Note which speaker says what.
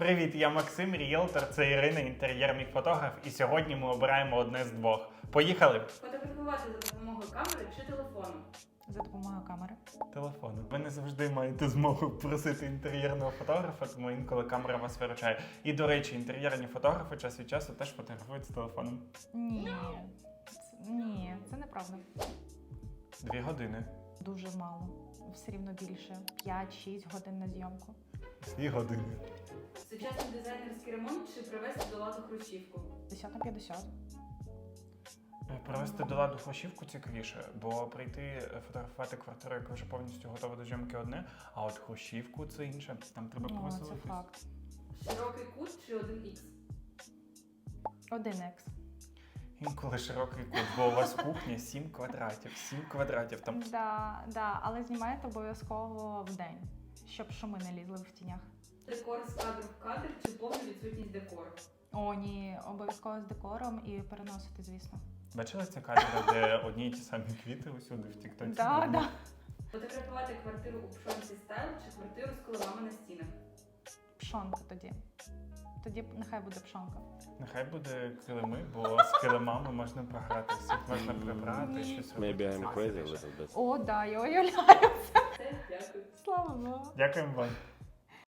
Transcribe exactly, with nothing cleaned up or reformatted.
Speaker 1: Привіт, я Максим, ріелтор, це Ірина, інтер'єрний фотограф, і сьогодні ми обираємо одне з двох. Поїхали!
Speaker 2: Фотографувати за допомогою камери чи телефону?
Speaker 3: За допомогою камери.
Speaker 1: Телефону. Ви не завжди маєте змогу просити інтер'єрного фотографа, тому інколи камера вас виручає. І, до речі, інтер'єрні фотографи час від часу теж фотографують з телефоном.
Speaker 3: Ні. Це, ні, це неправда.
Speaker 1: Дві години.
Speaker 3: Дуже мало. Все рівно більше. п'ять-шість годин на зйомку.
Speaker 1: Дві години.
Speaker 2: Сучасний дизайнерський ремонт чи привести до ладу хрущівку?
Speaker 3: п'ятдесят на п'ятдесят.
Speaker 1: Привести до ладу хрущівку цікавіше, бо прийти фотографувати квартиру, яка вже повністю готова до зйомки, одне, а от хрущівку це інше. Там треба
Speaker 3: О, це
Speaker 1: повеселитись.
Speaker 3: факт.
Speaker 2: Широкий кут чи один ікс?
Speaker 3: Один екс.
Speaker 1: Інколи широкий кут, бо у вас кухня сім квадратів. сім квадратів там.
Speaker 3: Да, да, але знімаєте обов'язково в день, щоб шуми не лізли в тінях.
Speaker 2: Декор з кадру в кадр чи повна відсутність декору?
Speaker 3: О, ні, обов'язково з декором і переносити, звісно.
Speaker 1: Бачила ці кадри, де одні й ті самі квіти усюди в тіктоці?
Speaker 3: Да, да.
Speaker 2: Фотографувати квартиру у пшонці стайл чи квартиру з коливами на стінах?
Speaker 3: Пшонка тоді. Тоді нехай буде пшонка.
Speaker 1: Нехай буде килими, бо з килимами можна погратися, можна прибрати, щось робити.
Speaker 4: Maybe I'm crazy a
Speaker 1: Класніше.
Speaker 4: little bit.
Speaker 3: О, да, я уявляю.
Speaker 2: Все, дякую.
Speaker 3: Слава Богу.
Speaker 1: Дякуємо вам.